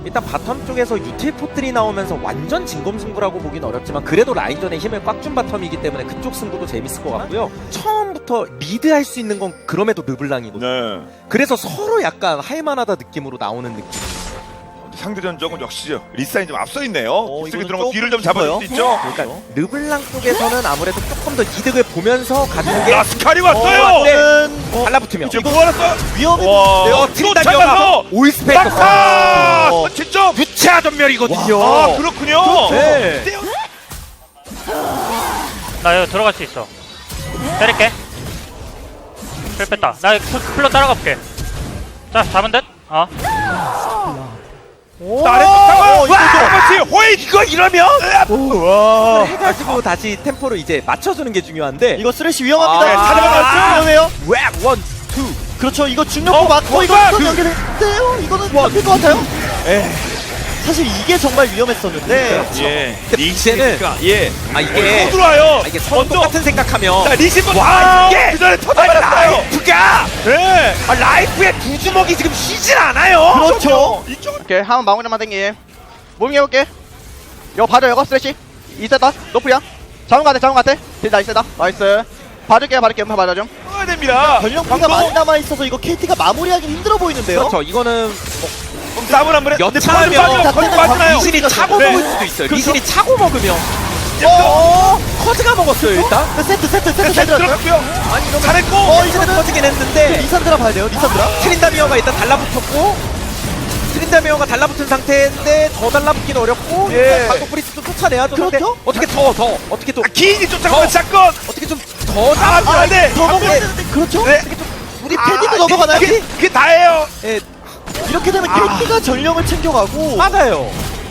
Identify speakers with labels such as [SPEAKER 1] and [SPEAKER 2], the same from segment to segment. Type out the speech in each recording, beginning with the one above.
[SPEAKER 1] 일단 바텀 쪽에서 유틸 포트리 나오면서 완전 진검승부라고 보긴 어렵지만 그래도 라인전에 힘을 꽉 준 바텀이기 때문에 그쪽 승부도 재밌을 것 같고요. 처음부터 리드할 수 있는 건 그럼에도 르블랑이거든요.
[SPEAKER 2] 네.
[SPEAKER 1] 그래서 서로 약간 할만하다 느낌으로 나오는 느낌.
[SPEAKER 2] 상대 전적은 역시 리사인 좀 앞서 있네요. 깊숙이
[SPEAKER 3] 이거는
[SPEAKER 2] 들어가
[SPEAKER 3] 좀
[SPEAKER 2] 뒤를 좀 잡아줄 수 있죠.
[SPEAKER 1] 그러니까 르블랑 쪽에서는 아무래도 조금 더 이득을 보면서 가는 게
[SPEAKER 2] 라스칼이 왔어요.
[SPEAKER 1] 왔네. 달라붙으면
[SPEAKER 2] 이제 뭐 알았어?
[SPEAKER 3] 위험해.
[SPEAKER 1] 트린다미어가 오이스펙터
[SPEAKER 2] 낙하! 진짜
[SPEAKER 1] 유체화 전멸이거든요.
[SPEAKER 2] 아 그렇군요.
[SPEAKER 1] 네.
[SPEAKER 4] 나 여기 들어갈 수 있어. 때릴게. 힐 뺐다. 나 플러 따라가 볼게. 자, 잡은 듯? 어.
[SPEAKER 2] 나래부터 그렇지 호잇
[SPEAKER 1] 이거 이러면
[SPEAKER 2] 와
[SPEAKER 1] 해가지고 다시 템포를 이제 맞춰주는 게 중요한데
[SPEAKER 3] 이거 쓰레쉬 위험합니다.
[SPEAKER 1] 아,
[SPEAKER 3] 위험해요.
[SPEAKER 1] 웩 원, 투.
[SPEAKER 3] 그렇죠. 이거 중력포 맞고 이거 또 연결했대요. 이거는 잡힐 것 같아요. 사실 이게 정말 위험했었는데.
[SPEAKER 2] 예
[SPEAKER 1] 근데 이제는
[SPEAKER 2] 예
[SPEAKER 1] 아 이게
[SPEAKER 2] 또 들어와요.
[SPEAKER 1] 이게 서로 똑같은 생각하면
[SPEAKER 2] 자 리시브
[SPEAKER 1] 와, 이게
[SPEAKER 2] 그 전에 터져버렸어요.
[SPEAKER 1] 라이프가
[SPEAKER 2] 네
[SPEAKER 1] 라이프의 두 주먹이 지금 쉬질 않아요.
[SPEAKER 3] 그렇죠.
[SPEAKER 2] 이쪽
[SPEAKER 5] 오케이 한번 마무리만 땡기 무빙 해볼게 이거 봐줘 이거 스트레치 이세다 노프야 잡은 거 같아 딜 나이스다 나이스 봐줄게 음파 봐줘 좀
[SPEAKER 2] 해야 됩니다.
[SPEAKER 3] 전력피가 많이 남아있어서 이거 KT가 마무리하기 힘들어 보이는데요.
[SPEAKER 1] 그렇죠. 이거는
[SPEAKER 2] 싸움을 한번 해.
[SPEAKER 1] 여차하면
[SPEAKER 2] 빠지나요?
[SPEAKER 1] 리신이 차고
[SPEAKER 2] 네.
[SPEAKER 1] 먹을 수도 있어요.
[SPEAKER 3] 그렇죠.
[SPEAKER 1] 리신이 차고 먹으면 커즈가 먹었어요 일단.
[SPEAKER 3] 세트 잘
[SPEAKER 2] 잘
[SPEAKER 3] 들었어요.
[SPEAKER 2] 들어갔고요.
[SPEAKER 1] 아니 이러면
[SPEAKER 2] 잘했고.
[SPEAKER 1] 이제는 터지긴 했는데
[SPEAKER 3] 리산드라 봐야 돼요. 리산드라.
[SPEAKER 1] 트린다미어가 일단 달라붙었고 트린다미어가 달라붙은 상태인데 더 달라붙긴 어렵고
[SPEAKER 2] 예.
[SPEAKER 1] 방금 프리스도 쫓아내야죠.
[SPEAKER 3] 그렇죠?
[SPEAKER 1] 근데 어떻게 더 어떻게 또
[SPEAKER 2] 기인이 쫓아가면 사건.
[SPEAKER 1] 어떻게 좀 더
[SPEAKER 2] 아, 네.
[SPEAKER 3] 더 먹어야 되는데 그렇죠?
[SPEAKER 2] 네.
[SPEAKER 3] 우리 패디도 넘어가나요?
[SPEAKER 2] 그게 다예요.
[SPEAKER 1] 예,
[SPEAKER 3] 이렇게 되면 KT가 전령을 챙겨가고
[SPEAKER 1] 맞아요.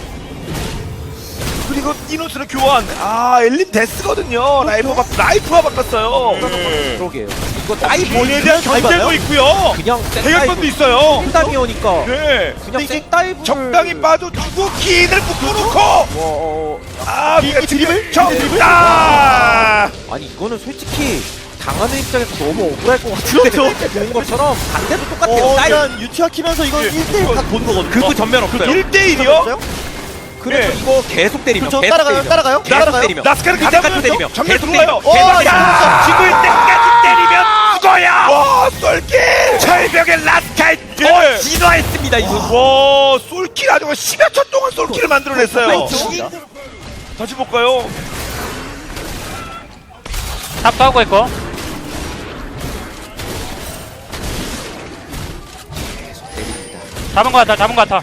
[SPEAKER 2] 그리고 이노스를 교환. 아 엘린 데스거든요. 라이프가 바꿨어요.
[SPEAKER 1] 그러게요. 이거 나이
[SPEAKER 2] 본인에 대한 견제도
[SPEAKER 3] 봐요?
[SPEAKER 2] 있고요.
[SPEAKER 1] 그냥
[SPEAKER 2] 대결권도 있어요.
[SPEAKER 1] 트린다미어니까
[SPEAKER 2] 네.
[SPEAKER 1] 그냥 생다이브
[SPEAKER 2] 적당히 빠져주고 기인을 묶어놓고. 아
[SPEAKER 3] 이 드리블?
[SPEAKER 2] 정답.
[SPEAKER 1] 아니 이거는 솔직히 당하는 입장에서 너무 억울할 것 같은데
[SPEAKER 3] 그렇죠.
[SPEAKER 1] 좋은 것처럼 반대도 똑같아요. 다이브
[SPEAKER 3] 일단 유치화 키면서 이거
[SPEAKER 2] 예.
[SPEAKER 3] 1대1 각 보는 거거든요.
[SPEAKER 1] 그거 전면 없어요.
[SPEAKER 2] 1대1이요?
[SPEAKER 1] 그래서
[SPEAKER 2] 네.
[SPEAKER 1] 이거 계속 때리면
[SPEAKER 3] 그렇죠.
[SPEAKER 1] 계속
[SPEAKER 3] 따라가요.
[SPEAKER 1] 계속 때리면
[SPEAKER 2] 나스카는
[SPEAKER 1] 가장
[SPEAKER 2] 가장
[SPEAKER 1] 때리면
[SPEAKER 2] 정면
[SPEAKER 1] 계속
[SPEAKER 2] 들어와요.
[SPEAKER 1] 때리면
[SPEAKER 2] 야!
[SPEAKER 1] 죽을 때까지 때리면 죽어야.
[SPEAKER 2] 와 쏠킬.
[SPEAKER 1] 철벽의 라스칼
[SPEAKER 2] 예.
[SPEAKER 1] 더 진화했습니다 이거.
[SPEAKER 2] 와 쏠킬 아주 10여 초 동안 쏠킬을 만들어냈어요. 다시 볼까요?
[SPEAKER 4] 탑도 하고 있고. 잡은 거 같아.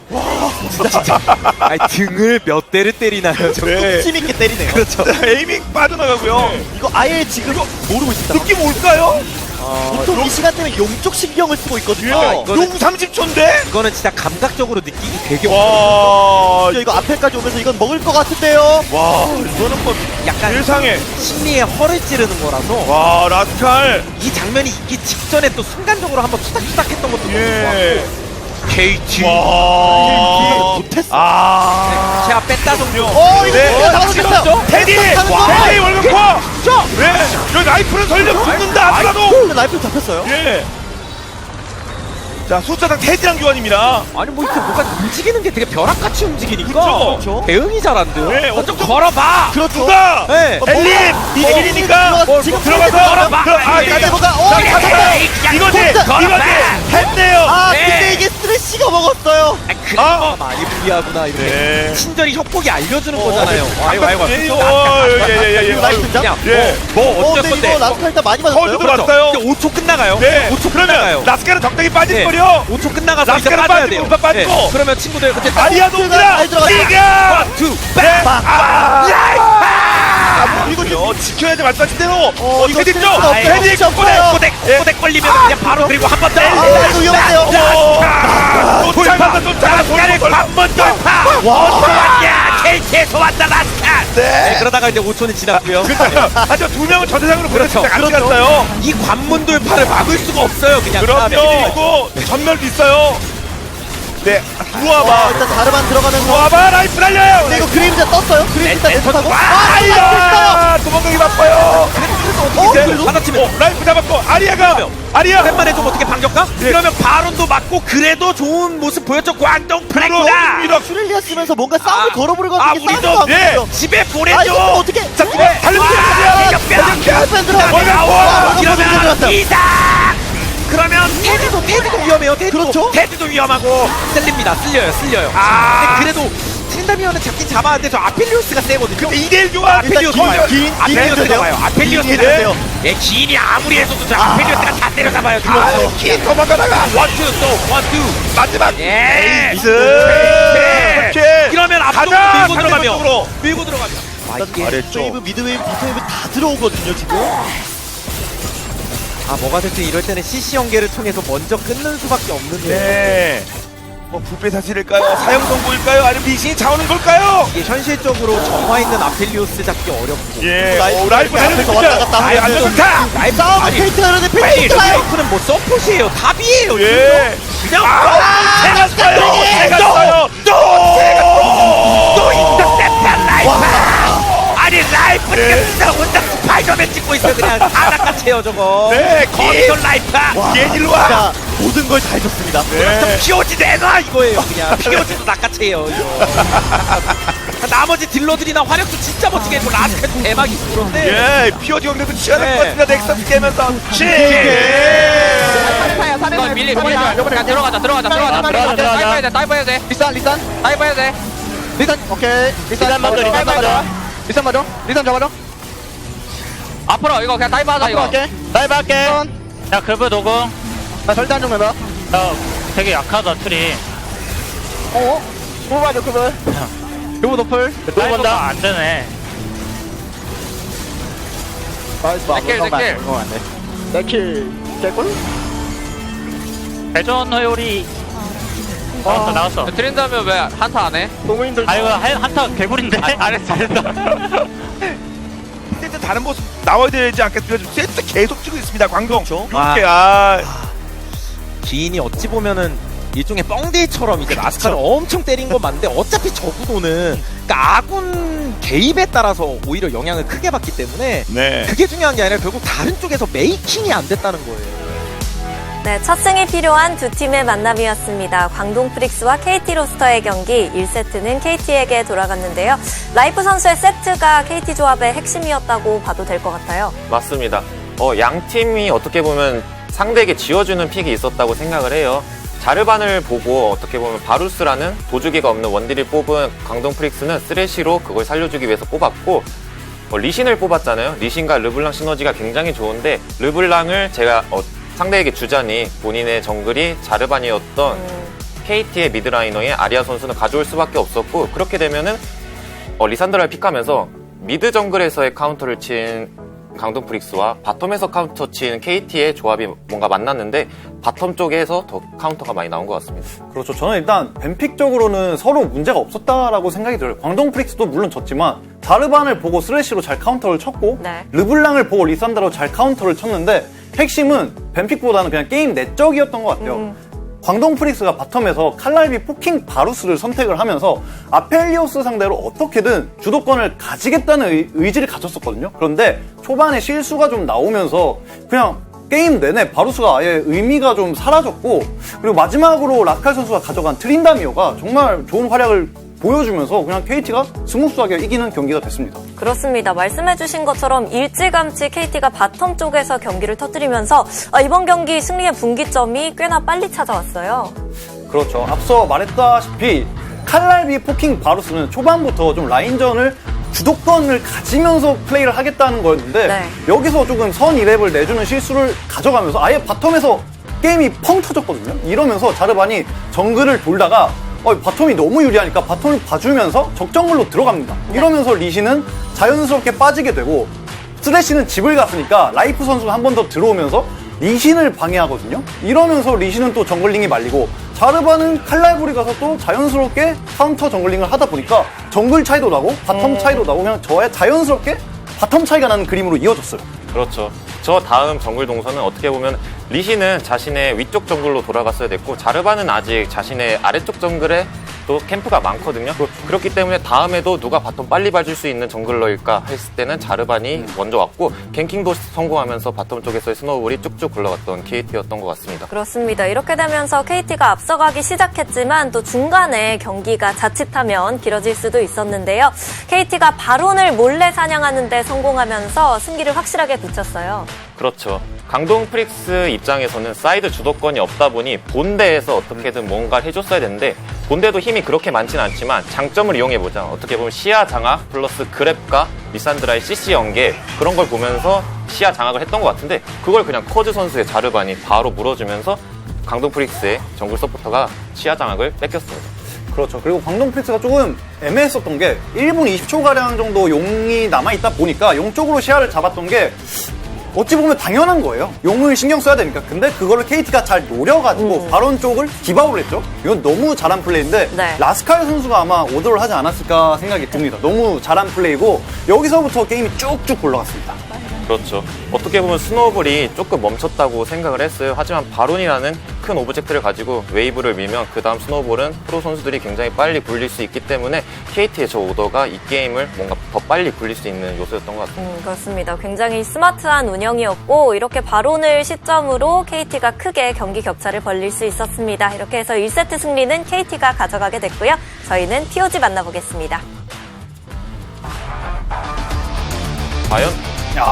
[SPEAKER 1] 아니 등을 몇 대를 때리나요 저.
[SPEAKER 2] 네.
[SPEAKER 3] 힘 있게 때리네요.
[SPEAKER 1] 그렇죠.
[SPEAKER 2] 에이밍 빠져나가고요.
[SPEAKER 3] 이거 아예 지금 모르고 있습니다.
[SPEAKER 2] 느낌 올까요?
[SPEAKER 3] 보통 이 시간대면 용쪽 신경을 쓰고 있거든요.
[SPEAKER 1] 이거는-
[SPEAKER 2] 용 30초인데?
[SPEAKER 1] 이거는 진짜 감각적으로 느끼기 되게
[SPEAKER 2] 와,
[SPEAKER 3] 이거 앞에까지 오면서 이건 먹을 것 같은데요.
[SPEAKER 2] 와, 이거는 뭐
[SPEAKER 1] 약간
[SPEAKER 2] 세상에.
[SPEAKER 1] 심리에 허를 찌르는 거라서
[SPEAKER 2] 와, 라스칼.
[SPEAKER 1] 이 장면이 있기 직전에 또 순간적으로 한번 투닥투닥했던 것도 너무
[SPEAKER 2] 예.
[SPEAKER 1] 좋았고 KT
[SPEAKER 2] 와,
[SPEAKER 3] 못했어.
[SPEAKER 2] 아,
[SPEAKER 1] 제가 뺐다 정도.
[SPEAKER 3] 이거
[SPEAKER 2] 네.
[SPEAKER 3] 잡았어.
[SPEAKER 2] 테디, 테디 월급과. 네, 여기 라이프를 설령 붙는다 하더라도.
[SPEAKER 3] 라이프 잡혔어요.
[SPEAKER 2] 예. 자, 숫자당 테디랑 교환입니다.
[SPEAKER 1] 아니 뭐 이렇게 뭐가 움직이는 게 되게 벼락같이 움직이니까
[SPEAKER 2] 그렇죠.
[SPEAKER 1] 대응이 잘 안 돼요.
[SPEAKER 2] 네,
[SPEAKER 1] 먼저
[SPEAKER 2] 어떤-
[SPEAKER 1] 걸어봐.
[SPEAKER 3] 그렇죠.
[SPEAKER 2] 누가?
[SPEAKER 1] 네.
[SPEAKER 2] 엘린, 일인이니까
[SPEAKER 3] 지금
[SPEAKER 2] 들어가서
[SPEAKER 1] 걸어봐.
[SPEAKER 3] 이제 뭐가 잡혔다.
[SPEAKER 2] 이거지, 했네요.
[SPEAKER 3] 아
[SPEAKER 1] 네.
[SPEAKER 3] 근데 이게 스트레시가 먹었어요.
[SPEAKER 1] 아, 그래서 많이 불리하구나 이렇게.
[SPEAKER 2] 네.
[SPEAKER 1] 친절히 협곡이 알려주는 거잖아요. 아이고
[SPEAKER 2] 예예예예.
[SPEAKER 3] 라이프 장.
[SPEAKER 1] 그냥
[SPEAKER 2] 예.
[SPEAKER 1] 뭐 어쩔
[SPEAKER 3] 근데
[SPEAKER 1] 건데.
[SPEAKER 3] 이거 라스칼 일단 많이 맞았어요.
[SPEAKER 2] 커즈도 왔어요.
[SPEAKER 1] 5초 끝나가요.
[SPEAKER 2] 네.
[SPEAKER 1] 5초
[SPEAKER 2] 그러면
[SPEAKER 1] 끝나가요.
[SPEAKER 2] 라스카는 적당히 빠질
[SPEAKER 1] 네.
[SPEAKER 2] 거려.
[SPEAKER 1] 5초 끝나가서 이제
[SPEAKER 2] 라스카는
[SPEAKER 1] 빠져야
[SPEAKER 2] 빠지고
[SPEAKER 1] 돼요.
[SPEAKER 2] 우파 빠지고.
[SPEAKER 1] 네. 그러면 친구들 그때
[SPEAKER 2] 아리아도 옵니다.
[SPEAKER 3] 잘 들어갔다.
[SPEAKER 2] 지금.
[SPEAKER 1] 투
[SPEAKER 2] 이거 지켜야지 말씀하신 대로.
[SPEAKER 3] 이거
[SPEAKER 2] 테디 쪽.
[SPEAKER 3] 없어요.
[SPEAKER 2] 테디
[SPEAKER 3] 없어요.
[SPEAKER 2] 꼬대.
[SPEAKER 1] 꼬댁 걸리면 그냥 바로 그리고 한 번 더.
[SPEAKER 3] 이거 위험한데요.
[SPEAKER 2] 쫓아가서 쫓아가서
[SPEAKER 1] 한번 돌파. 어디서 왔냐? KT에서 왔다 라스칼.
[SPEAKER 2] 네.
[SPEAKER 1] 그러다가 이제 5초는 지났고요.
[SPEAKER 2] 하지만 두 명은 저 세상으로
[SPEAKER 1] 그렇죠.
[SPEAKER 2] 보내서 같이 갔어요.
[SPEAKER 1] 이 관문 돌파를 막을 수가 없어요. 그냥
[SPEAKER 2] 그럼요.
[SPEAKER 1] 그다음에.
[SPEAKER 2] 그리고 전멸도 있어요. 네, 들어와봐.
[SPEAKER 3] 일단 자르반 들어가면서.
[SPEAKER 2] 들어와봐, 라이프 날려요.
[SPEAKER 3] 근데 이거 그림자 떴어요. 그림자 내쫓하고.
[SPEAKER 2] 아리야! 도망가기 바빠요.
[SPEAKER 3] 그래도?
[SPEAKER 1] 받아치면
[SPEAKER 2] 라이프 잡았고, 아리아가! 아리아!
[SPEAKER 1] 웬만해 좀 어떻게 반격가?
[SPEAKER 2] 예.
[SPEAKER 1] 그러면 바론도 맞고 그래도 좋은 모습 보였죠. 광동 프렉다.
[SPEAKER 2] 들어옵니다.
[SPEAKER 3] 슈렐리아 쓰면서 뭔가 싸움을 걸어보려고
[SPEAKER 2] 아,
[SPEAKER 3] 하는 게
[SPEAKER 2] 우리도,
[SPEAKER 3] 싸움을
[SPEAKER 2] 예.
[SPEAKER 3] 하거든요.
[SPEAKER 1] 집에
[SPEAKER 3] 아,
[SPEAKER 1] 보내줘.
[SPEAKER 3] 이거 어떻게.
[SPEAKER 2] 자, 달려보자!
[SPEAKER 1] 그러면 이상. 그러면 테드도 위험해요. 테드도
[SPEAKER 3] 그렇죠.
[SPEAKER 1] 테드도 위험하고 쓸립니다. 쓸려요.
[SPEAKER 2] 아.
[SPEAKER 1] 근데 그래도 트린다미어는 잡긴 잡았는데 저 아펠리오스가 세거든요.
[SPEAKER 2] 그럼 2대1 좋아.
[SPEAKER 1] 아펠리오스
[SPEAKER 3] 긴,
[SPEAKER 1] 봐요.
[SPEAKER 3] 긴,
[SPEAKER 1] 아펠리오스가
[SPEAKER 3] 긴
[SPEAKER 1] 봐요. 아펠리오스가
[SPEAKER 3] 돼요.
[SPEAKER 1] 예, 기인이 아무리 해서도 저 아펠리오스가 다 때려잡아요.
[SPEAKER 2] 키 도망가다가
[SPEAKER 1] 원투 또 원투.
[SPEAKER 2] 마지막
[SPEAKER 1] 예.
[SPEAKER 2] 미스.
[SPEAKER 1] 네. 이러면 앞쪽으로
[SPEAKER 2] 가자,
[SPEAKER 1] 밀고 들어가면
[SPEAKER 2] 상대쪽으로.
[SPEAKER 1] 밀고 들어가면.
[SPEAKER 2] 잘했죠.
[SPEAKER 3] 웨이브, 미드웨이브, 바텀웨이브 다 들어오거든요, 지금.
[SPEAKER 1] 뭐가 됐든 이럴 때는 CC 연계를 통해서 먼저 끊는 수밖에 없는데
[SPEAKER 2] 네. 뭐 부패 사실일까요? 사형 선고일까요? 아니면 미신이 차오는 걸까요?
[SPEAKER 1] 이게 현실적으로 정화 있는 아펠리오스 잡기 어렵고
[SPEAKER 2] 예.
[SPEAKER 3] 라이프
[SPEAKER 2] 라이프
[SPEAKER 3] 앞에서 왔다 갔다
[SPEAKER 2] 아예 안
[SPEAKER 3] 하면서.
[SPEAKER 2] 좋다.
[SPEAKER 1] 라이프
[SPEAKER 3] 싸움
[SPEAKER 1] 아니
[SPEAKER 3] 페이트 하는데 페이트
[SPEAKER 1] 페이트
[SPEAKER 3] 없어요.
[SPEAKER 1] 라이프는 뭐 서폿이에요. 답이에요.
[SPEAKER 2] 예.
[SPEAKER 1] 그냥
[SPEAKER 2] 제가 써요.
[SPEAKER 1] 또 인터셉션 라이프. 아니 라이프가 진짜 혼자 스파이더맨 찍고 있어. 그냥 다 낚아채요 저거.
[SPEAKER 2] 네,
[SPEAKER 1] 거기서 라이프.
[SPEAKER 2] 얘기로 와.
[SPEAKER 3] 자, 모든 걸 다 해줬습니다.
[SPEAKER 2] 네.
[SPEAKER 1] POG 내놔 이거예요. 그냥 POG도 낚아채요 이거. 나머지 딜러들이나 화력도 진짜 멋지게 했고 라스칼도 대박이고 그런데
[SPEAKER 2] 예, 피오지 경기도 치열할
[SPEAKER 1] 네.
[SPEAKER 2] 것 같습니다. 넥서스 깨면서
[SPEAKER 4] 이거 밀리 들어가자. 다이브 해야 돼.
[SPEAKER 5] 리산
[SPEAKER 4] 다이브 해야 돼.
[SPEAKER 5] 리산 오케이 리산
[SPEAKER 3] 먼저, 리산 먼저.
[SPEAKER 5] 리산 먼저 리산 잡아줘
[SPEAKER 4] 앞으로 이거 그냥 다이브 하자
[SPEAKER 5] 앞으로
[SPEAKER 4] 이거.
[SPEAKER 5] 갈게
[SPEAKER 3] 라이브 할게.
[SPEAKER 4] 야 그브 노공.
[SPEAKER 5] 나 절대 안 죽는다
[SPEAKER 4] 야 되게 약하다 트리.
[SPEAKER 5] 그거 맞아 그거 그거 노플
[SPEAKER 4] 다이브가 안 되네.
[SPEAKER 5] 내킬 개꿀
[SPEAKER 4] 대전 허율이 나왔어.
[SPEAKER 6] 트린다면 왜 한타 안 해?
[SPEAKER 5] 동호인들
[SPEAKER 4] 아 이거 한타 개구리인데. 잘했어.
[SPEAKER 2] 세트 다른 모습 나와야 되지 않겠습니까? 지금 세트 계속 찍고 있습니다. 광동.
[SPEAKER 3] 그렇죠.
[SPEAKER 2] 이렇게
[SPEAKER 1] 기인이 어찌 보면은 일종의 뻥데이처럼 이제 라스칼을 엄청 때린 건 맞는데 어차피 저 구도는 그러니까 아군 개입에 따라서 오히려 영향을 크게 받기 때문에
[SPEAKER 2] 네.
[SPEAKER 1] 그게 중요한 게 아니라 결국 다른 쪽에서 메이킹이 안 됐다는 거예요.
[SPEAKER 7] 네, 첫 승이 필요한 두 팀의 만남이었습니다. 광동 프릭스와 KT 로스터의 경기 1세트는 KT에게 돌아갔는데요. 라이프 선수의 세트가 KT 조합의 핵심이었다고 봐도 될 것 같아요.
[SPEAKER 8] 맞습니다. 양 팀이 어떻게 보면 상대에게 지어주는 픽이 있었다고 생각을 해요. 자르반을 보고 어떻게 보면 바루스라는 도주기가 없는 원딜을 뽑은 광동 프릭스는 쓰레쉬로 그걸 살려주기 위해서 뽑았고 리신을 뽑았잖아요. 리신과 르블랑 시너지가 굉장히 좋은데 르블랑을 제가 상대에게 주자니 본인의 정글이 자르반이었던 KT의 미드라이너의 아리아 선수는 가져올 수밖에 없었고 그렇게 되면은 리산드라를 픽하면서 미드 정글에서의 카운터를 친 광동 프릭스와 바텀에서 카운터 친 KT의 조합이 뭔가 만났는데 바텀 쪽에서 더 카운터가 많이 나온 것 같습니다.
[SPEAKER 9] 그렇죠. 저는 일단 뱀픽적으로는 서로 문제가 없었다라고 생각이 들어요. 광동 프릭스도 물론 졌지만 자르반을 보고 스레시로 잘 카운터를 쳤고
[SPEAKER 7] 네.
[SPEAKER 9] 르블랑을 보고 리산드로 잘 카운터를 쳤는데 핵심은 뱀픽보다는 그냥 게임 내적이었던 것 같아요. 광동 프릭스가 바텀에서 칼날비 포킹 바루스를 선택을 하면서 아펠리오스 상대로 어떻게든 주도권을 가지겠다는 의지를 가졌었거든요. 그런데 초반에 실수가 좀 나오면서 그냥 게임 내내 바루스가 아예 의미가 좀 사라졌고 그리고 마지막으로 라칼 선수가 가져간 트린다미오가 정말 좋은 활약을 보여주면서 그냥 KT가 스무스하게 이기는 경기가 됐습니다.
[SPEAKER 7] 그렇습니다. 말씀해주신 것처럼 일찌감치 KT가 바텀 쪽에서 경기를 터뜨리면서 이번 경기 승리의 분기점이 꽤나 빨리 찾아왔어요.
[SPEAKER 9] 그렇죠. 앞서 말했다시피 칼날비 포킹 바루스는 초반부터 좀 라인전을 주도권을 가지면서 플레이를 하겠다는 거였는데
[SPEAKER 7] 네.
[SPEAKER 9] 여기서 조금 선 2랩을 내주는 실수를 가져가면서 아예 바텀에서 게임이 펑 터졌거든요. 이러면서 자르반이 정글을 돌다가 바텀이 너무 유리하니까 바텀을 봐주면서 적정글로 들어갑니다. 이러면서 리신은 자연스럽게 빠지게 되고 쓰레쉬는 집을 갔으니까 라이프 선수가 한 번 더 들어오면서 리신을 방해하거든요. 이러면서 리신은 또 정글링이 말리고 자르반은 칼날부리 가서 또 자연스럽게 카운터 정글링을 하다 보니까 정글 차이도 나고 바텀 차이도 나고 그냥 저의 자연스럽게 바텀 차이가 나는 그림으로 이어졌어요.
[SPEAKER 8] 그렇죠. 저 다음 정글 동선은 어떻게 보면 리시는 자신의 위쪽 정글로 돌아갔어야 됐고 자르반은 아직 자신의 아래쪽 정글에 또 캠프가 많거든요. 그렇기 때문에 다음에도 누가 바텀 빨리 봐줄 수 있는 정글러일까 했을 때는 자르반이 먼저 왔고 갱킹도 성공하면서 바텀 쪽에서의 스노우볼이 쭉쭉 굴러갔던 KT였던 것 같습니다.
[SPEAKER 7] 그렇습니다. 이렇게 되면서 KT가 앞서가기 시작했지만 또 중간에 경기가 자칫하면 길어질 수도 있었는데요. KT가 바론을 몰래 사냥하는 데 성공하면서 승기를 확실하게 붙였어요.
[SPEAKER 8] 그렇죠. 강동 프릭스 입장에서는 사이드 주도권이 없다 보니 본대에서 어떻게든 뭔가를 해줬어야 되는데 본대도 힘이 그렇게 많지는 않지만 장점을 이용해보자. 어떻게 보면 시야 장악 플러스 그랩과 리산드라의 CC 연계 그런 걸 보면서 시야 장악을 했던 것 같은데 그걸 그냥 커즈 선수의 자르반이 바로 물어주면서 강동 프릭스의 정글 서포터가 시야 장악을 뺏겼습니다.
[SPEAKER 9] 그렇죠. 그리고 광동 프릭스가 조금 애매했었던 게 1분 20초가량 정도 용이 남아있다 보니까 용 쪽으로 시야를 잡았던 게 어찌 보면 당연한 거예요. 용을 신경 써야 되니까. 근데 그거를 KT가 잘 노려가지고 바론 쪽을 디바우를 했죠. 이건 너무 잘한 플레이인데
[SPEAKER 7] 네.
[SPEAKER 9] 라스칼 선수가 아마 오더를 하지 않았을까 생각이 듭니다. 너무 잘한 플레이고 여기서부터 게임이 쭉쭉 올라갔습니다.
[SPEAKER 8] 그렇죠. 어떻게 보면 스노우볼이 조금 멈췄다고 생각을 했어요. 하지만 바론이라는 큰 오브젝트를 가지고 웨이브를 밀면 그 다음 스노우볼은 프로 선수들이 굉장히 빨리 굴릴 수 있기 때문에 KT의 저 오더가 이 게임을 뭔가 더 빨리 굴릴 수 있는 요소였던 것 같습니다.
[SPEAKER 7] 그렇습니다. 굉장히 스마트한 운영이었고 이렇게 바론을 시점으로 KT가 크게 경기 격차를 벌릴 수 있었습니다. 이렇게 해서 1세트 승리는 KT가 가져가게 됐고요. 저희는 POG 만나보겠습니다.
[SPEAKER 8] 과연?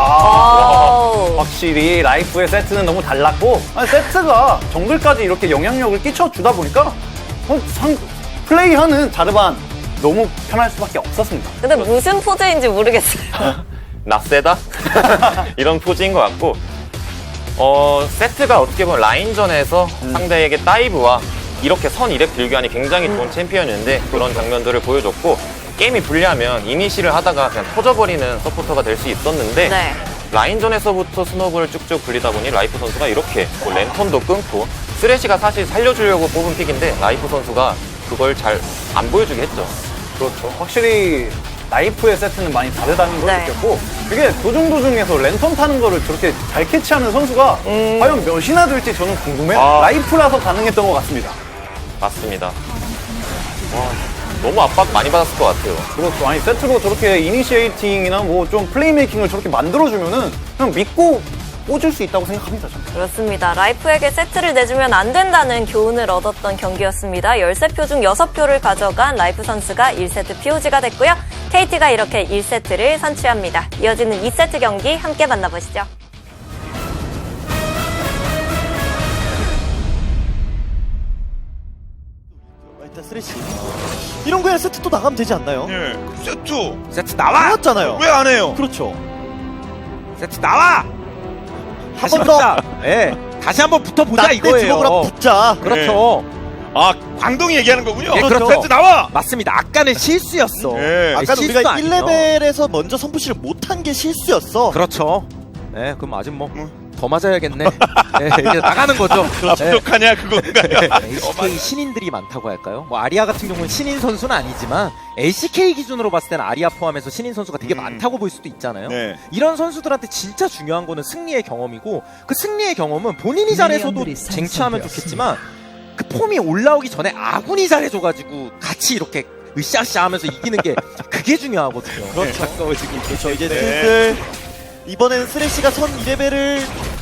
[SPEAKER 9] 확실히 라이프의 세트는 너무 달랐고 아니, 세트가 정글까지 이렇게 영향력을 끼쳐주다 보니까 플레이하는 자르반 너무 편할 수밖에 없었습니다.
[SPEAKER 7] 근데 무슨 포즈인지 모르겠어요.
[SPEAKER 8] 낯세다? 이런 포즈인 것 같고 세트가 어떻게 보면 라인전에서 상대에게 다이브와 이렇게 선 2렙 들교환이 굉장히 좋은 챔피언인데 그런 장면들을 보여줬고 게임이 불리하면 이니시를 하다가 그냥 터져버리는 서포터가 될 수 있었는데
[SPEAKER 7] 네.
[SPEAKER 8] 라인전에서부터 스노우볼을 쭉쭉 굴리다 보니 라이프 선수가 이렇게 뭐 랜턴도 끊고 쓰레쉬가 사실 살려주려고 뽑은 픽인데 라이프 선수가 그걸 잘 안 보여주게 했죠.
[SPEAKER 9] 그렇죠. 확실히 라이프의 세트는 많이 다르다는 걸
[SPEAKER 7] 네.
[SPEAKER 9] 느꼈고 이게 도중도중에서 랜턴 타는 거를 저렇게 잘 캐치하는 선수가 과연 몇이나 될지 저는 궁금해요. 라이프라서 가능했던 것 같습니다.
[SPEAKER 8] 맞습니다. 너무 압박 많이 받았을 것 같아요.
[SPEAKER 9] 그렇죠. 아니 세트로 저렇게 이니시에이팅이나 뭐 좀 플레이메이킹을 저렇게 만들어주면은 그냥 믿고 꽂을 수 있다고 생각합니다. 저는.
[SPEAKER 7] 그렇습니다. 라이프에게 세트를 내주면 안 된다는 교훈을 얻었던 경기였습니다. 13표 중 6표를 가져간 라이프 선수가 1세트 POG가 됐고요. KT가 이렇게 1세트를 선취합니다. 이어지는 2세트 경기 함께 만나보시죠.
[SPEAKER 3] 일단 쓰레쉬 이런 거에 세트 또 나가면 되지 않나요?
[SPEAKER 2] 예.
[SPEAKER 1] 세트 나와!
[SPEAKER 3] 나왔잖아요.
[SPEAKER 2] 왜 안 해요?
[SPEAKER 3] 그렇죠.
[SPEAKER 1] 세트 나와!
[SPEAKER 3] 한 번 더.
[SPEAKER 1] 예. 다시 한번 붙어보자
[SPEAKER 3] 낙대
[SPEAKER 1] 이거예요.
[SPEAKER 3] 주먹으로 붙자.
[SPEAKER 1] 그렇죠.
[SPEAKER 2] 아, 광동이 얘기하는 거군요.
[SPEAKER 1] 예, 그렇죠.
[SPEAKER 2] 세트 나와!
[SPEAKER 1] 맞습니다. 아까는 실수였어.
[SPEAKER 2] 예.
[SPEAKER 3] 아까
[SPEAKER 1] 실수
[SPEAKER 3] 우리가
[SPEAKER 1] 아니에요.
[SPEAKER 3] 1레벨에서 먼저 선푸시를 못한 게 실수였어.
[SPEAKER 1] 그렇죠. 예, 그럼 아직 뭐 더 맞아야겠네. 예, 이제 나가는 거죠.
[SPEAKER 2] 아, 부족하냐 그건가요?
[SPEAKER 1] LCK 신인들이 많다고 할까요? 뭐 아리아 같은 경우는 신인 선수는 아니지만 LCK 기준으로 봤을 때는 아리아 포함해서 신인 선수가 되게 많다고 볼 수도 있잖아요.
[SPEAKER 2] 네.
[SPEAKER 1] 이런 선수들한테 진짜 중요한 거는 승리의 경험이고 그 승리의 경험은 본인이 잘해서도 쟁취하면 좋겠지만 그 폼이 올라오기 전에 아군이 잘해줘가지고 같이 이렇게 으쌰으쌰 하면서 이기는 게 그게 중요하거든요.
[SPEAKER 3] 그렇죠.
[SPEAKER 1] 가까워지고
[SPEAKER 3] 그렇죠. 이제
[SPEAKER 2] 네.
[SPEAKER 3] 슬슬 이번에는 쓰레쉬가 선 2레벨을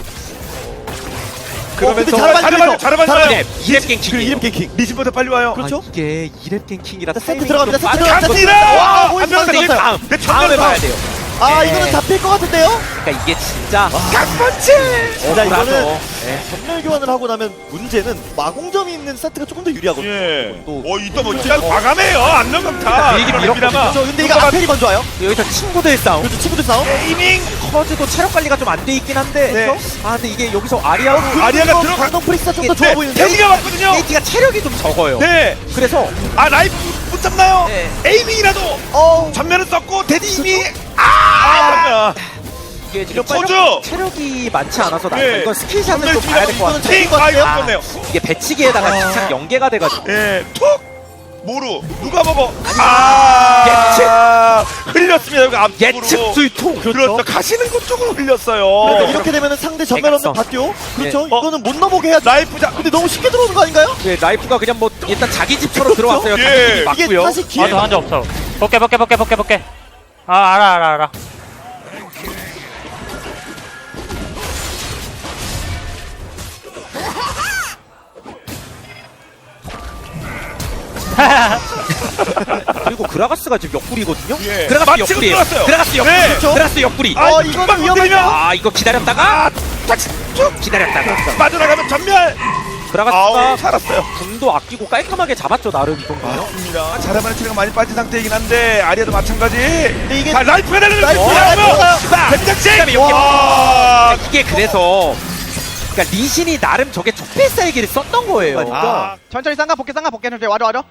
[SPEAKER 2] 그러면서
[SPEAKER 3] 잘해봐요.
[SPEAKER 1] 이랩 갱킹.
[SPEAKER 3] 그 이름 갱킹.
[SPEAKER 2] 리즈보다 빨리 와요.
[SPEAKER 3] 그렇죠?
[SPEAKER 1] 아, 이게 이랩 갱킹이라
[SPEAKER 3] 세트 들어갑니다. 세트
[SPEAKER 1] 빠르게
[SPEAKER 3] 들어갑니다.
[SPEAKER 2] 갑니다!
[SPEAKER 3] 와,
[SPEAKER 2] 안
[SPEAKER 3] 보이스
[SPEAKER 2] 들어갔어요.
[SPEAKER 3] 들어갔어요.
[SPEAKER 2] 내
[SPEAKER 1] 다음에 봐야 돼요.
[SPEAKER 3] 아, 이거는 잡힐 것 같은데요?
[SPEAKER 1] 그러니까 이게 진짜
[SPEAKER 3] 진짜 이거는
[SPEAKER 1] 예.
[SPEAKER 3] 전멸 교환을 하고 나면 문제는 마공점이 있는 세트가 조금 더 유리하거든요.
[SPEAKER 2] 예.
[SPEAKER 3] 또
[SPEAKER 2] 이따 뭐 진짜 과감해요. 안정감타.
[SPEAKER 1] 비행기 밀었거든요.
[SPEAKER 3] 그렇죠. 근데 이거 아펠이 먼저 와요.
[SPEAKER 1] 여기서 친구들 싸움.
[SPEAKER 3] 그렇죠. 친구들 싸움.
[SPEAKER 2] 에이밍.
[SPEAKER 1] 커즈도 체력 관리가 좀 안 돼 있긴 한데.
[SPEAKER 2] 네.
[SPEAKER 1] 그래서? 아 근데 이게 여기서 아리아
[SPEAKER 2] 아리아가 들어가.
[SPEAKER 3] 광동 프릭스가 좀 더 좋아
[SPEAKER 2] 네.
[SPEAKER 3] 보이는데.
[SPEAKER 2] 데미가 왔거든요.
[SPEAKER 1] KT가 체력이 좀 적어요.
[SPEAKER 2] 네.
[SPEAKER 1] 그래서
[SPEAKER 2] 아, 라이프 못 잡나요?
[SPEAKER 1] 네.
[SPEAKER 2] 에이밍이라도 전면은 썼고 데디님이
[SPEAKER 1] 이게 지금
[SPEAKER 2] 커즈!
[SPEAKER 1] 체력이 많지 않아서 나
[SPEAKER 2] 네.
[SPEAKER 1] 이건 스킬샷을 좀 봐야 될 것 같아요.
[SPEAKER 2] 팅! 아, 이거 없네요.
[SPEAKER 1] 이게 배치기에다가 직접 연계가 돼가지고
[SPEAKER 2] 예. 툭! 모루 누가 먹어? 아 흘렸습니다. 여기 앞으로
[SPEAKER 1] 예측 수위통.
[SPEAKER 2] 그렇죠. 가시는 것 쪽으로 흘렸어요.
[SPEAKER 3] 그래도 이렇게 되면은 상대 전멸 없는 바티오. 그렇죠.
[SPEAKER 1] 예.
[SPEAKER 3] 이거는 못 넘어게 해야죠.
[SPEAKER 2] 라이프자.
[SPEAKER 3] 근데 너무 쉽게 들어오는 거 아닌가요?
[SPEAKER 1] 네, 라이프가 그냥 뭐 일단 자기 집처럼 들어왔어요.
[SPEAKER 2] 예.
[SPEAKER 1] 자기 집이
[SPEAKER 3] 이게
[SPEAKER 1] 맞고요.
[SPEAKER 3] 사실 기회.
[SPEAKER 4] 아저 한적 없어. 볼게. 아 알아.
[SPEAKER 1] 그리고 그라가스가 지금 옆구리거든요.
[SPEAKER 2] 예.
[SPEAKER 1] 그라가스
[SPEAKER 2] 맞추고
[SPEAKER 1] 옆구리예요.
[SPEAKER 2] 들어왔어요.
[SPEAKER 1] 그라가스 옆구리.
[SPEAKER 2] 네.
[SPEAKER 1] 그라가스 옆구리.
[SPEAKER 2] 아,
[SPEAKER 3] 이거는
[SPEAKER 2] 이거는
[SPEAKER 3] 위험하죠.
[SPEAKER 2] 위험하죠.
[SPEAKER 1] 이거 기다렸다가
[SPEAKER 2] 쭉
[SPEAKER 1] 기다렸다가
[SPEAKER 2] 빠져나가면 전멸.
[SPEAKER 1] 그라가스가
[SPEAKER 2] 아우 살았어요.
[SPEAKER 1] 궁도 아끼고 깔끔하게 잡았죠 나름 이 정도면.
[SPEAKER 2] 맞습니다. 자르반의 체력가 많이 빠진 상태이긴 한데 아리아도 마찬가지. 근데
[SPEAKER 3] 이게
[SPEAKER 2] 라이프가 되는
[SPEAKER 3] 라이프가
[SPEAKER 2] 백장씩.
[SPEAKER 1] 와 이게 그래서 그러니까 리신이 나름 저게 적폐사이기를 썼던 거예요.
[SPEAKER 2] 아,
[SPEAKER 5] 천천히 쌍가 볼게 천천히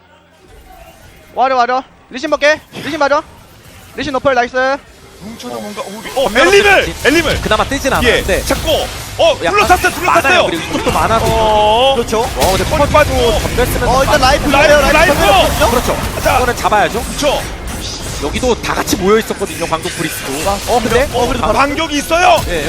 [SPEAKER 5] 와줘 리신 볼게 리신 맞아 리신 노플 나이스
[SPEAKER 2] 뭉쳐서 뭔가 엘림을
[SPEAKER 1] 그나마 뜨진
[SPEAKER 2] 예
[SPEAKER 1] 않았는데
[SPEAKER 2] 찾고
[SPEAKER 1] 약간
[SPEAKER 2] 둘러쌌어요.
[SPEAKER 1] 많아요. 그리고 이쪽도 많아서
[SPEAKER 3] 그렇죠.
[SPEAKER 1] 근데
[SPEAKER 2] 펀 빠지고
[SPEAKER 1] 전멸 쓰면
[SPEAKER 3] 일단 라이프
[SPEAKER 2] 라이프.
[SPEAKER 1] 그렇죠.
[SPEAKER 2] 자.
[SPEAKER 1] 이거는 잡아야죠.
[SPEAKER 2] 그렇죠.
[SPEAKER 1] 여기도 다 같이 모여 있었거든요. 광동 프리스도. 근데
[SPEAKER 2] 그래도 반격이 있어요.
[SPEAKER 1] 예.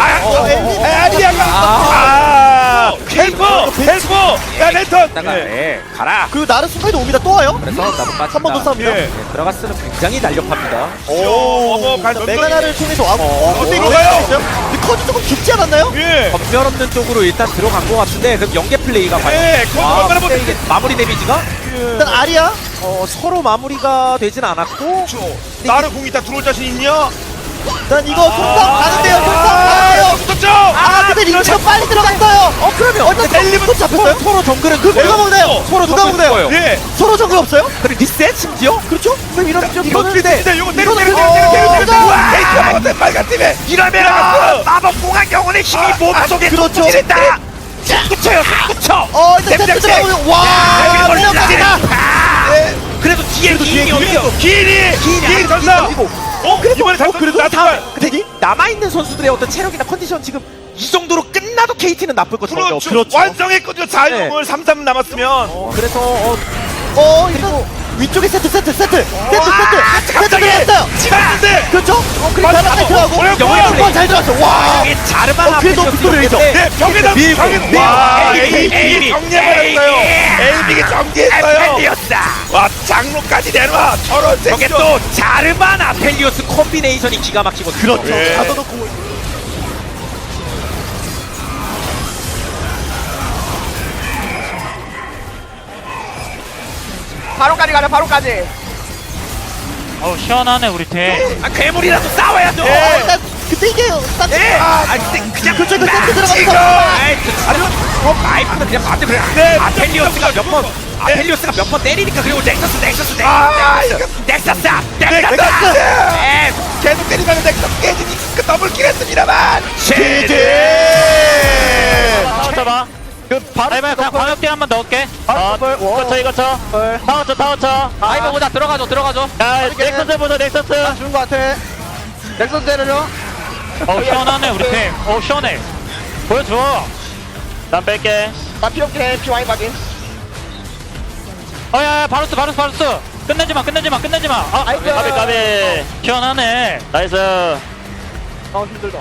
[SPEAKER 2] 아리아가 헬프 야 랜턴.
[SPEAKER 1] 가라.
[SPEAKER 3] 그리고 나르 순간에도 옵니다. 또 와요.
[SPEAKER 1] 그래서 나도 빠진다.
[SPEAKER 3] 한 번 더 싸웁니다.
[SPEAKER 2] 예.
[SPEAKER 1] 들어갔으면 굉장히 날렵합니다.
[SPEAKER 3] 메가나를 통해서
[SPEAKER 2] 어디로 가요?
[SPEAKER 3] 근데 커즈 조금 깊지 않았나요?
[SPEAKER 2] 예.
[SPEAKER 1] 전멸 없는 쪽으로 일단 들어간 것 같은데 그럼 연계 플레이가
[SPEAKER 2] 예.
[SPEAKER 1] 근데 이게 마무리 데미지가
[SPEAKER 3] 일단 아리아.
[SPEAKER 1] 서로 마무리가 되진 않았고
[SPEAKER 2] 나를 공이 다 들어올 자신 있냐?
[SPEAKER 3] 일단 이거 손상 가는데요. 손상 가는데요.
[SPEAKER 2] 붙었죠.
[SPEAKER 3] 근데 리치가 빨리 들어갔어요.
[SPEAKER 1] 그러면
[SPEAKER 3] 일단 손 잡혔어요?
[SPEAKER 1] 서로 정글은
[SPEAKER 3] 누가 먹나요?
[SPEAKER 1] 서로
[SPEAKER 3] 누가
[SPEAKER 1] 정글
[SPEAKER 3] 먹나요?
[SPEAKER 1] 거예요.
[SPEAKER 2] 예.
[SPEAKER 3] 서로 정글 없어요?
[SPEAKER 1] 그리고 리셋 심지어?
[SPEAKER 3] 그렇죠? 그럼 이런 좀
[SPEAKER 2] 이거
[SPEAKER 3] 이거는데
[SPEAKER 2] 이거
[SPEAKER 3] 이거는
[SPEAKER 2] 때려.
[SPEAKER 3] 와,
[SPEAKER 2] 에이스가 먹었대 빨간 팀에. 이러면 마법 공학 영혼의 힘이 몸속에
[SPEAKER 3] 그렇죠.
[SPEAKER 2] 찌른다. 붙여요. 붙여.
[SPEAKER 3] 일단 세트 들어가면 와, 올라갑니다.
[SPEAKER 1] 그래도 뒤에 기인이 어디요?
[SPEAKER 2] 기인이 전사. 이번에 잘
[SPEAKER 1] 그래도
[SPEAKER 2] 나쁜
[SPEAKER 1] 다음
[SPEAKER 2] 걸.
[SPEAKER 1] 근데 남아있는 선수들의 어떤 체력이나 컨디션 지금 이 정도로 끝나도 KT는 나쁠 것 같아요.
[SPEAKER 2] 그렇죠. 완성했거든요. 4인용을 3-3 남았으면.
[SPEAKER 1] 그래서
[SPEAKER 3] 이거 위쪽에 세트 들어갔어요.
[SPEAKER 2] 찍었는데.
[SPEAKER 3] 그렇죠? 그리고 바로 세트하고 영화 잘 들어갔어. 와,
[SPEAKER 1] 이게 자르만
[SPEAKER 3] 그래도 빅토리죠.
[SPEAKER 2] 네, 벽에다 와, AB 정리해버렸어요. AB가 정리했어요. 와, 장로까지 내놔. 저런
[SPEAKER 1] 저게 또 자르만 아펠리오스 콤비네이션이 기가 막히거든요.
[SPEAKER 3] 그렇죠.
[SPEAKER 2] 예.
[SPEAKER 3] 가둬놓고
[SPEAKER 5] 바로까지 가자 바로까지
[SPEAKER 4] 어우 시원하네 우리 팀.
[SPEAKER 1] 괴물이라도 싸워야죠.
[SPEAKER 3] 일단 근데 이게
[SPEAKER 1] 그냥
[SPEAKER 3] 그쪽 그 세트 들어가면서
[SPEAKER 1] 라이프는 그냥 맞대 그래.
[SPEAKER 2] 네,
[SPEAKER 1] 아펠리오스가 몇 번 아펠리오스가 몇 번 때리니까 그리고 넥서스 넥서스
[SPEAKER 2] 계속 때리면 넥서 깨지니까 더블킬 했습니다만.
[SPEAKER 4] 잡아. 아이고 그냥 광역대 한번 넣을게. 이거 타워 쳐. 아이고 보자 들어가줘. 야 넥서스 보자 넥서스.
[SPEAKER 5] 죽은 거 같아 넥서스 때려줘
[SPEAKER 4] 시원하네 우리 팀. 시원해. 보여줘. 난 뺄게.
[SPEAKER 5] 나 필요 없긴 해 피 많이 빠진
[SPEAKER 4] 야야 바루스. 끝내지 마. 까비. 시원하네. 나이스.
[SPEAKER 5] 힘들다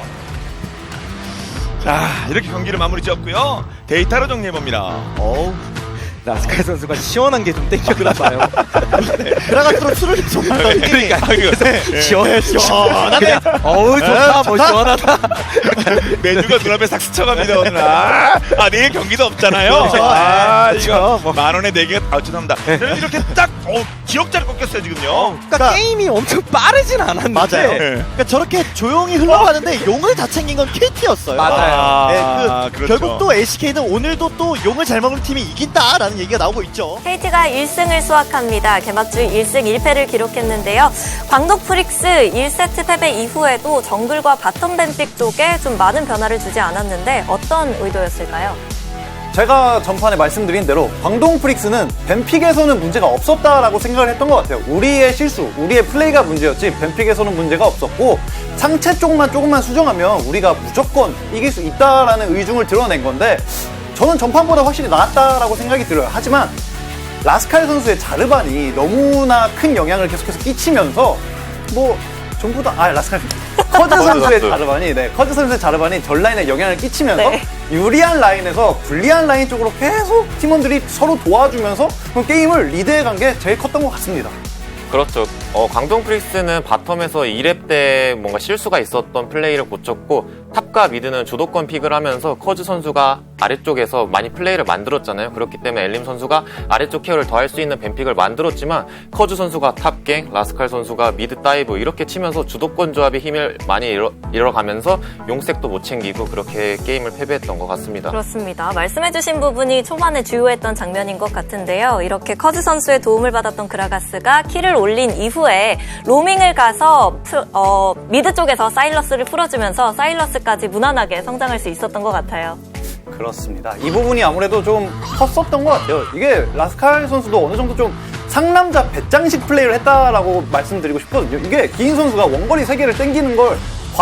[SPEAKER 2] 자, 이렇게 경기를 마무리 지었고요. 데이터로 정리해봅니다.
[SPEAKER 1] 라스칼 선수가 시원한 게 좀 땡겨나 봐요.
[SPEAKER 3] 들어갈수록 술을 좀 마더니
[SPEAKER 2] 그러니까
[SPEAKER 3] 시원하네.
[SPEAKER 1] 좋다 뭐 시원하다.
[SPEAKER 2] 메뉴가 눈앞에 싹 스쳐갑니다 오늘. 내일 경기도 없잖아요.
[SPEAKER 1] 그렇죠.
[SPEAKER 2] 이거 만 원에 4개가 죄송합니다. 이렇게 딱 기억자를 꺾였어요 지금요.
[SPEAKER 1] 그러니까 게임이 엄청 빠르진 않았는데.
[SPEAKER 3] 맞아요. 그러니까 저렇게 조용히 흘러가는데 용을 다 챙긴 건 KT였어요.
[SPEAKER 1] 맞아요.
[SPEAKER 3] 네, 결국 또 LCK는 오늘도 또 용을 잘 먹는 팀이 이긴다라는 얘기가 나오고 있죠.
[SPEAKER 7] KT가 1승을 수확합니다. 개막 주 1승 1패를 기록했는데요. 광동 프릭스 1세트 패배 이후에도 정글과 바텀 뱀픽 쪽에 좀 많은 변화를 주지 않았는데 어떤 의도였을까요?
[SPEAKER 9] 제가 전판에 말씀드린 대로 광동 프릭스는 뱀픽에서는 문제가 없었다라고 생각을 했던 것 같아요. 우리의 실수, 우리의 플레이가 문제였지 뱀픽에서는 문제가 없었고 상체 쪽만 조금만 수정하면 우리가 무조건 이길 수 있다라는 의중을 드러낸 건데 저는 전판보다 확실히 나았다라고 생각이 들어요. 하지만 라스칼 선수의 자르반이 너무나 큰 영향을 계속해서 끼치면서 뭐 전부 다 라스칼 커즈 선수의 자르반이 커즈 선수의 자르반이 전 라인에 영향을 끼치면서
[SPEAKER 7] 네.
[SPEAKER 9] 유리한 라인에서 불리한 라인 쪽으로 계속 팀원들이 서로 도와주면서 게임을 리드해간 게 제일 컸던 것 같습니다.
[SPEAKER 8] 그렇죠. 광동 프릭스는 바텀에서 2렙 때 뭔가 실수가 있었던 플레이를 고쳤고 탑과 미드는 주도권 픽을 하면서 커즈 선수가 아래쪽에서 많이 플레이를 만들었잖아요. 그렇기 때문에 엘림 선수가 아래쪽 케어를 더 할 수 있는 뱀픽을 만들었지만 커즈 선수가 탑갱, 라스칼 선수가 미드 다이브 이렇게 치면서 주도권 조합의 힘을 많이 잃어가면서 용색도 못 챙기고 그렇게 게임을 패배했던 것 같습니다.
[SPEAKER 7] 그렇습니다. 말씀해주신 부분이 초반에 주요했던 장면인 것 같은데요. 이렇게 커즈 선수의 도움을 받았던 그라가스가 킬을 올린 이후에 로밍을 가서 미드 쪽에서 사일러스를 풀어주면서 사일러스까지 무난하게 성장할 수 있었던 것 같아요.
[SPEAKER 9] 그렇습니다. 이 부분이 아무래도 좀 컸었던 것 같아요. 이게 라스칼 선수도 어느 정도 좀 상남자 배짱식 플레이를 했다라고 말씀드리고 싶거든요. 이게 기인 선수가 원거리 3개를 땡기는 걸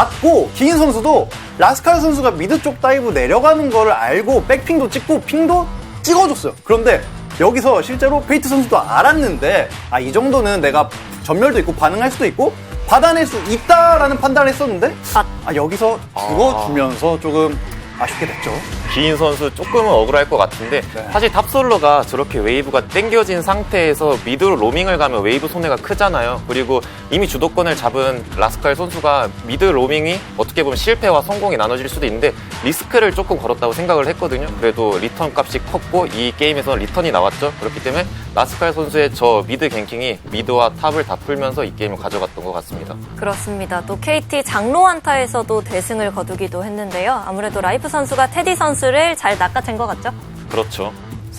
[SPEAKER 9] 봤고 기인 선수도 라스칼 선수가 미드 쪽 다이브 내려가는 거를 알고 백핑도 찍고 핑도 찍어줬어요. 그런데 여기서 실제로 페이트 선수도 알았는데 이 정도는 내가 전멸도 있고 반응할 수도 있고 받아낼 수 있다라는 판단을 했었는데 여기서 죽어주면서 조금 아쉽게 됐죠.
[SPEAKER 8] 기인 선수 조금은 억울할 것 같은데 사실 탑솔러가 저렇게 웨이브가 땡겨진 상태에서 미드로 로밍을 가면 웨이브 손해가 크잖아요. 그리고 이미 주도권을 잡은 라스칼 선수가 미드 로밍이 어떻게 보면 실패와 성공이 나눠질 수도 있는데 리스크를 조금 걸었다고 생각을 했거든요. 그래도 리턴 값이 컸고 이 게임에서 리턴이 나왔죠. 그렇기 때문에 라스칼 선수의 저 미드 갱킹이 미드와 탑을 다 풀면서 이 게임을 가져갔던 것 같습니다.
[SPEAKER 7] 그렇습니다. 또 KT 장로 한타에서도 대승을 거두기도 했는데요. 아무래도 라이프 선수가 테디 선수를 잘 낚아챈 것 같죠?
[SPEAKER 8] 그렇죠.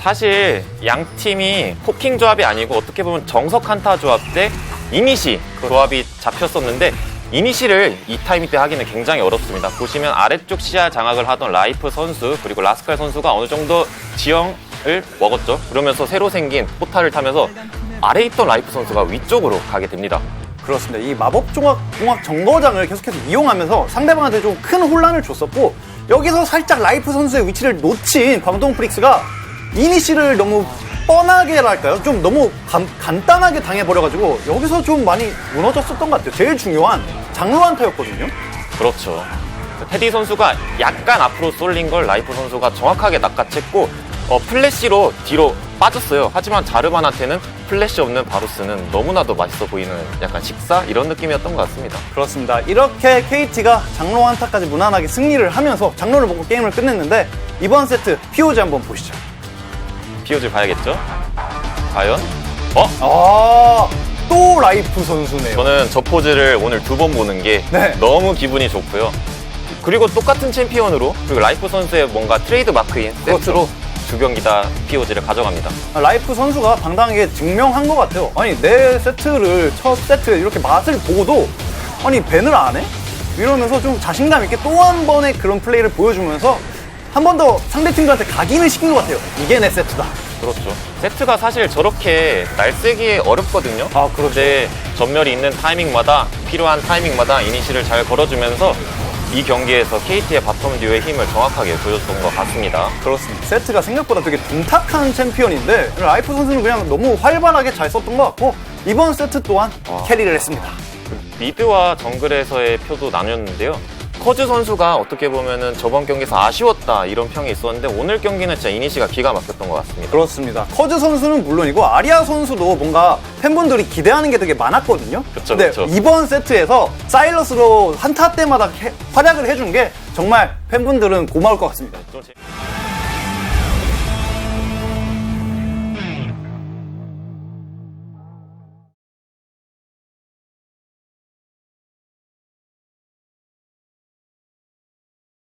[SPEAKER 8] 사실 양 팀이 포킹 조합이 아니고 어떻게 보면 정석 한타 조합 때 이니시 조합이 잡혔었는데 이니시를 이 타이밍 때 하기는 굉장히 어렵습니다. 보시면 아래쪽 시야 장악을 하던 라이프 선수 그리고 라스칼 선수가 어느 정도 지형을 먹었죠. 그러면서 새로 생긴 포탈을 타면서 아래에 있던 라이프 선수가 위쪽으로 가게 됩니다.
[SPEAKER 9] 그렇습니다. 이 마법종합 정거장을 계속해서 이용하면서 상대방한테 좀 큰 혼란을 줬었고 여기서 살짝 라이프 선수의 위치를 놓친 광동 프릭스가 이니시를 너무 뻔하게랄까요? 좀 너무 간단하게 당해버려가지고 여기서 좀 많이 무너졌었던 것 같아요. 제일 중요한 장로 한타였거든요.
[SPEAKER 8] 그렇죠. 테디 선수가 약간 앞으로 쏠린 걸 라이프 선수가 정확하게 낚아챘고 플래시로 뒤로 빠졌어요. 하지만 자르반한테는 플래시 없는 바루스는 너무나도 맛있어 보이는 약간 식사? 이런 느낌이었던 것 같습니다.
[SPEAKER 9] 그렇습니다. 이렇게 KT가 장로 한타까지 무난하게 승리를 하면서 장로를 먹고 게임을 끝냈는데 이번 세트 POG 한번 보시죠.
[SPEAKER 8] POG 봐야겠죠? 과연?
[SPEAKER 9] 또 라이프 선수네요.
[SPEAKER 8] 저는 저 포즈를 오늘 2번 보는 게 너무 기분이 좋고요. 그리고 똑같은 챔피언으로 그리고 라이프 선수의 뭔가 트레이드 마크인 세트로 두 경기 다 POG를 가져갑니다.
[SPEAKER 9] 라이프 선수가 당당하게 증명한 것 같아요. 아니 내 세트를 첫 세트 이렇게 맛을 보고도 밴을 안 해? 이러면서 좀 자신감 있게 또 한 번의 그런 플레이를 보여주면서 한 번 더 상대팀들한테 각인을 시킨 것 같아요. 이게 내 세트다.
[SPEAKER 8] 그렇죠. 세트가 사실 저렇게 날쌔기 어렵거든요. 그런데 전멸이 있는 타이밍마다 필요한 타이밍마다 이니시를 잘 걸어주면서 이 경기에서 KT의 바텀 듀오의 힘을 정확하게 보여줬던 것 같습니다.
[SPEAKER 9] 그렇습니다. 세트가 생각보다 되게 둔탁한 챔피언인데 라이프 선수는 그냥 너무 활발하게 잘 썼던 것 같고 이번 세트 또한 캐리를 했습니다.
[SPEAKER 8] 미드와 정글에서의 표도 나뉘었는데요. 커즈 선수가 어떻게 보면은 저번 경기에서 아쉬웠다 이런 평이 있었는데 오늘 경기는 진짜 이니시가 기가 막혔던 것 같습니다.
[SPEAKER 9] 그렇습니다. 커즈 선수는 물론이고 아리아 선수도 뭔가 팬분들이 기대하는 게 되게 많았거든요. 근데 이번 세트에서 사일러스로 한타 때마다 활약을 해준 게 정말 팬분들은 고마울 것 같습니다.